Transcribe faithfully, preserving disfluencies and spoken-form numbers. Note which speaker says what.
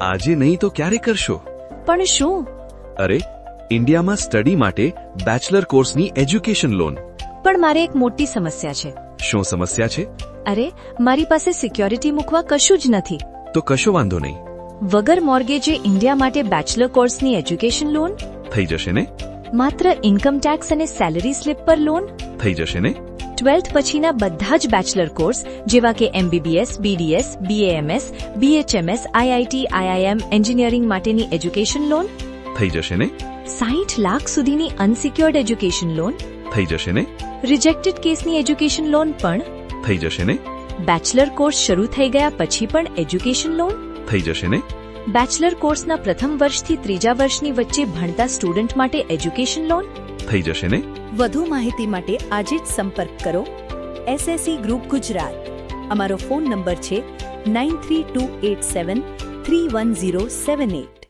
Speaker 1: આજે નહીં તો ક્યારે કરશો?
Speaker 2: પણ શું?
Speaker 1: અરે, ઇન્ડિયામાં સ્ટડી માટે બેચલર કોર્સની એજ્યુકેશન લોન.
Speaker 2: પણ મારે એક મોટી સમસ્યા છે.
Speaker 1: શું સમસ્યા છે?
Speaker 2: અરે, મારી પાસે સિક્યોરિટી મૂકવા કશું જ નથી.
Speaker 1: તો કશો વાંધો નહીં.
Speaker 2: વગર મોર્ગેજે ઇન્ડિયા માટે બેચલર કોર્સની એજ્યુકેશન લોન
Speaker 1: થઈ જશે ને?
Speaker 2: માત્ર ઇન્કમ ટેક્સ અને સેલરી સ્લિપ પર લોન
Speaker 1: થઈ જશે ને?
Speaker 2: ટ્વેલ્થ પછીના બધા જ બેચલર કોર્સ જેવા કે MBBS, BDS, BAMS, BHMS, IIT, IIM, engineering માટેની એજ્યુકેશન લોન
Speaker 1: થઈ જશે ને?
Speaker 2: સાઠ લાખ સુધીની અનસિક્યોર્ડ એજ્યુકેશન લોન
Speaker 1: થઈ જશે ને?
Speaker 2: રિજેક્ટેડ કેસની એજ્યુકેશન લોન પણ
Speaker 1: થઈ જશે ને?
Speaker 2: બેચલર કોર્સ શરૂ થઈ ગયા પછી પણ એજ્યુકેશન લોન
Speaker 1: થઈ જશે ને?
Speaker 2: બેચલર કોર્સના પ્રથમ વર્ષથી ત્રીજા વર્ષની વચ્ચે ભણતા સ્ટુડન્ટ માટે એજ્યુકેશન લોન
Speaker 1: થઈ જશે ને?
Speaker 3: વધુ માહિતી માટે આજે જ સંપર્ક કરો એસએસસી ગ્રુપ ગુજરાત. અમારો ફોન નંબર છે nine three two eight seven three one zero seven at.